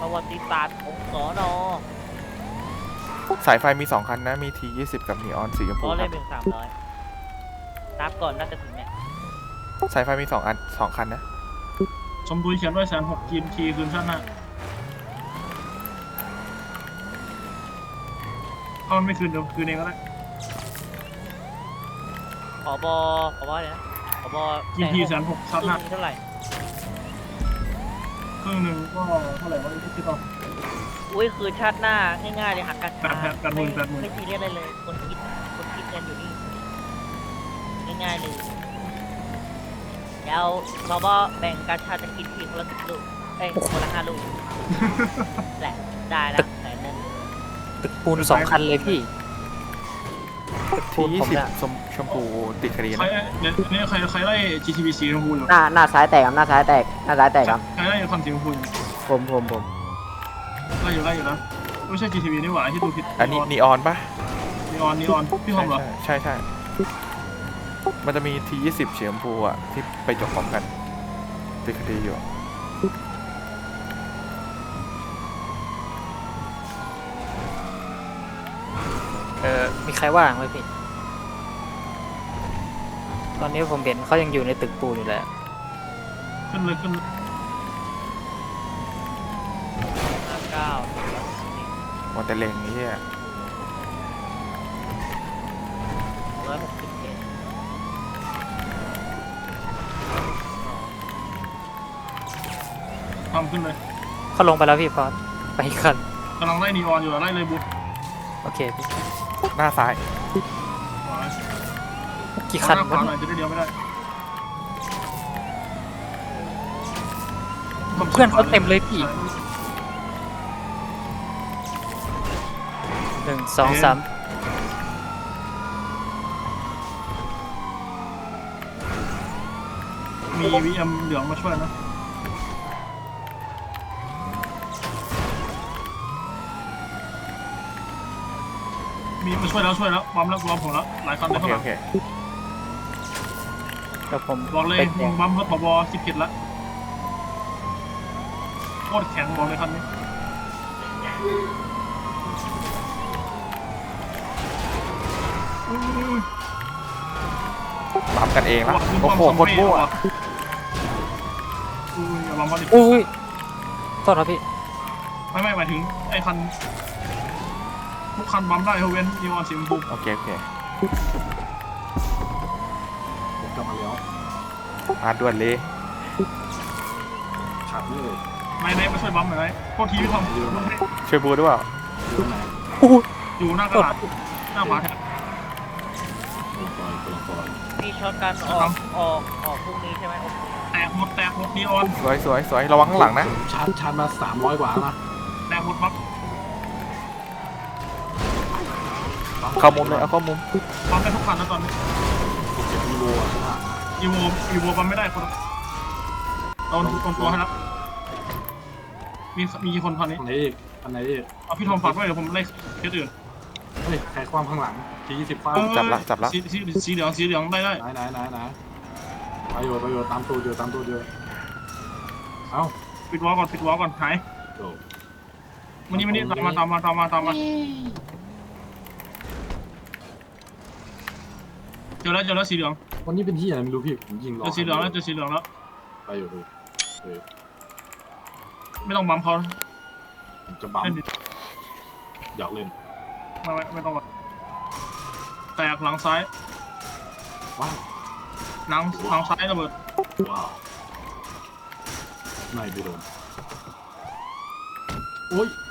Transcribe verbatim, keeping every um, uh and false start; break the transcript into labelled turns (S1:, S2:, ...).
S1: ประวัติศาสตร์ของสอนอ
S2: สายไฟมีสองคันนะมีทียี่สิบกับนีออนสีชมพู
S1: ล้อ
S2: ค
S1: เล่
S2: รั
S1: น
S2: บ
S1: เป็นสามร้อยนับก่อนน่าจะถึงเนี่ย
S2: สายไฟมีสองอันสองคันนะ
S3: ชมพูเขียนด้วยแสนหกทีมทีคืนชาติหน้าถ้ามันไม่คืนเดี๋ยวคืนเองก็ได้
S1: ขอบอขอบอเลยนะขอบอ
S3: ทีมทีแสนหกชาติหน้า
S1: เท่าไหร่
S3: ครึ่งหนึ่งก็เท่าไหร่วะที่คิดเอา
S1: อุ้ยคือชาติหน้าง่ายๆเลยหักกัน
S3: แปดแปดแปดหมื่นแปดหมื่น
S1: ไม่ซีเรียสอะไรเลยคนคิดคนคิดกันอยู่นี่ง่ายๆเลยแล้วขอบอแบ่งกาชาจะกินทีคนละสิบลูกเอ้ยคนละห้าลูกแหละได้แล้วแต่นั่น
S4: ตึกปูนสองคันเลยพี่ตึกปู
S2: ที
S4: น
S2: ยี่
S4: ผม
S2: สิบ
S4: เนี่ย
S2: ชมชมพูติดคดี
S3: ใคร
S2: นะ
S3: เนี่ยเนี่ยใครใครไล่ จี ที บี สีชมพูอยู่
S5: หน้าหน้าซ้ายแตกครับหน้าซ้ายแตกหน้าซ้ายแตกครับ
S3: ใครไล่คันสีชมพูอยู่
S5: ผมผมผม
S3: ไล่อยู่ไล่อยู่นะไม่ใช่ จี ที บี นี่หว่าที่ดูผิด
S2: อันนี้นีออนปะ
S3: นีออนนีออนพี่ทอมเหรอ
S2: ใช่ใช่ใช่มันจะมีทียี่สิบสีชมพูอ่ะที่ไปจบพร้อมกันติดคดีอยู่
S4: เออมีใครว่างไหมพี่ตอนนี้ผมเห็นเขายังอยู่ในตึกปูนอยู่เลย
S3: ขึ้นเลยขึ้น
S1: ห้าเก้า
S2: วันแต่เลงนี้อ่ะ
S1: ร้อยหกสิบเอ็ด
S3: ทำขึ้นเลย
S4: เขาลงไปแล้วพี่พอสไปอีกคัน
S3: กำลังไล่นีออนอยู่ไล่เลยบุ๊
S4: โอเคพี่
S2: หน้าซ้าย
S4: กี่คัน
S3: หน้าขวาว
S4: ะ
S3: หน่อยจะได้เดียวไม่ได้
S4: เพื่อนเขาเต็มเลยพี่หนึ่งสองสาม
S3: มี วี เอ็ม เหลืองมาช่วยนะมีมาช่วยแล้วช่วยแล้วบัมแล้วบัมผมแล้วหลายคันเล
S2: โอย เค
S3: ข้างหลั
S2: โอง เค
S4: เดี๋ยวผม
S3: บอกเลย
S4: ไป
S3: มึงบัมรถผบคิดผิดละโคตรแข็งบอกเลยคันนี้
S2: บัมกันเองละโอ้โหโคตรมั่ว
S3: อุ้ยอย่าบัมเขาดิ
S4: อุ้ยโทษครับพี่
S3: ไม่ไม่หมายถึงไอ้คันทุกคันบัมได้เขาเว้นนีออนสีชมพู
S2: โอเคโอเค
S6: ผมกลับมาแล้ว
S2: มาด่วนเลย
S6: ขาดเลย
S3: นายนายมาช่วยบัมหน่อยนายโทษทีพี่ทอม
S2: ช่วยบูด้วยเปล่า
S6: อยู่ไหน
S3: อยู่หน้ากระดาษหน้าขวาแถบ
S6: กำลังปล่อยกำลังปล่อย
S1: มีช็อตกันออกออกออกพรุ่งนี้ใช่ไหมโอเค
S3: แตกหมดแตกหมดนีออน
S2: สวยสวยสวยระวังข้างหลังนะ
S6: ชาร์จชาร์จมาสามร้อยกว่านะ
S3: แตกหมดบัม
S2: เข้ามุมเลยเอาเข้ามุม
S3: บัมได้ทุกคันแล้วตอนนี้
S6: เจ็ดกิโลอ่ะใช่ไหม
S3: อีโวอีโวบัมไม่ได้คนโดนโดนตัวให้แล้วมีมีกี่คนพันนี้
S6: อันไหนอีกอันไหนอีก
S3: เอาพี่ทอมฝากไว้เดี๋ยวผมไล่เคสอื่น
S6: เฮ้ยใครคว้างข้างหลังทียี่สิบคว้าง
S2: จับละจับละ
S3: สีสีสีเหลืองสีเหลืองได้ได้
S6: ไหนไหนไหนไหนประโยชน์ประโยชน์ตามตัวเดียวตามตัวเดียวเอ้า
S3: ปิดวอลก่อนปิดวอลก่อนหาย
S6: โด
S3: มันนี่มันนี่ตามมาตามมาตามมาตามมาเจอแล้วเจอแล้วสีเหลือง
S6: วันนี้เป็นที่อะไรไม่รู้พี่ผมยิงรอ
S3: เจอสีเหลืองแล้วเจอสีเหลืองแล้ว
S6: ไปอยู่ดูเฮ้ย
S3: ไม่ต้องบัมเขา
S6: ผมจะบัม
S3: เล่นดิ
S6: อยากเล่น
S3: ไม่ไม่ไม่ต้องบัมแตกหลังซ้าย
S6: ว้าว
S3: หลังหลังซ้ายระเบิด
S6: ว้าวไม่ไปโดนโอ้ย